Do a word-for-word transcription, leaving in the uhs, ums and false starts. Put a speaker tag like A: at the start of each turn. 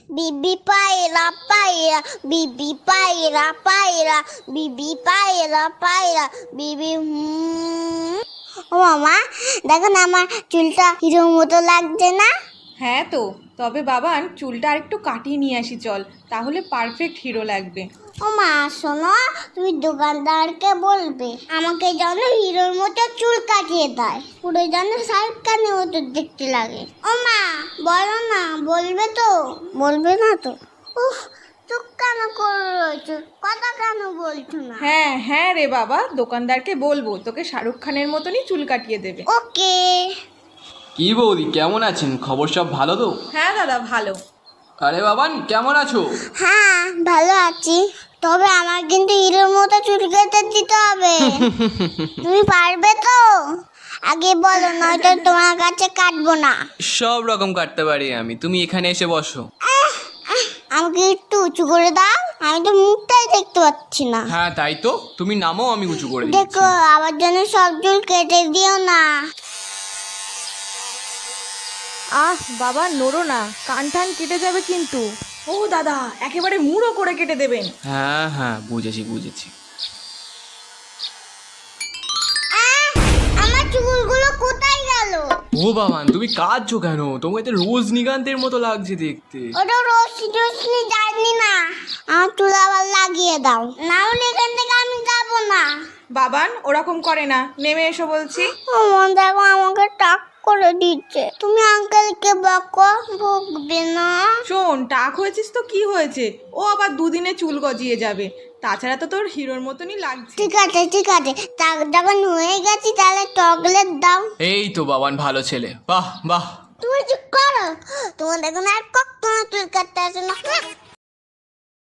A: বিবি পায়রা পায়রা বিবি পায়রা পায়রা বিবি পায়রা পায়রা বিবি হুম। ও মামা দেখো না আমার চুলটা হিরোর মতো লাগছে না?
B: হ্যাঁ তো, তবে বাবান চুলটা আরেকটু কাটিয়ে নিয়ে আসি চল, তাহলে পারফেক্ট হিরো লাগবে।
A: ও মা শোনো, তুমি দোকানদারকে বলবে আমাকে যেন হিরোর মতো চুল কাটিয়ে দেয়, পুরো যেন শাহরুখ খানের মতো দেখতে লাগে। ও মা বলো না, বলবে তো? বলবে না তো? উফ, চুপ কেন করে রয়েছো, কথা কেন বলছো না?
B: হ্যাঁ হ্যাঁ রে বাবা, দোকানদারকে বলবো তোকে শাহরুখ খানের মতনই চুল কাটিয়ে দেবে।
A: ওকে।
C: কি বৌদি, কেমন আছেন? খবর সব ভালো তো?
B: হ্যাঁ দাদা ভালো।
C: আরে বাবান, কেমন আছো?
A: হ্যাঁ ভালো আছি, তবে আমার কিন্তু হিরোর মতো চুল কেটে দিতে হবে। তুমি পারবে তো? আগে বলো, নয়তো তোমার কাছে কাটবো না।
C: সব রকম কাটতে পারি আমি, তুমি এখানে এসে বসো।
A: আমাকে একটু উঁচু করে দাও, আমি তো মুখটাই দেখতে পাচ্ছি না।
C: হ্যাঁ তাই তো, তুমি নামো, আমি উঁচু করে দিচ্ছি।
A: দেখো আবার যেন সব চুল কেটে দিও না।
B: আহ বাবা নড়ো না, কান টান কেটে যাবে কিন্তু। ও দাদা, একেবারে মুড়ো করে কেটে দেবেন।
C: হ্যাঁ হ্যাঁ বুঝেছি বুঝেছি।
A: আহ, আমার চুলগুলো কোথায় গেল?
C: ও বাবান, তুমি কাঁদছো কেন? তোমাকে তো রজনীকান্তের মতো লাগছে দেখতে।
A: ওটা রশ্মি টশ্মি জানি না, আমার চুল আবার লাগিয়ে দাও, না হলে এখান থেকে আমি যাবো না।
B: বাবান ওরকম করে না, নেমে এসো বলছি।
A: আমার দেখো আমাকে টাক করে দিচ্ছে, তুমি আঙ্কেলকে বকো, বকবে না।
B: শোন, টাক হয়েছিস তো কি হয়েছে, ও আবার দুদিনে চুল গজিয়ে যাবে, তাছাড়া তো তোর হিরোর মতনই লাগছে।
A: ঠিক আছে ঠিক আছে, টাক যখন হয়ে গেছি তাহলে চকলেট দাও।
C: এই তো বাবান, ভালো ছেলে, বাহ বাহ।
A: তুমি চুপ করো, তোমার দেখো না আর কখনো চুল কাটতে আসে না।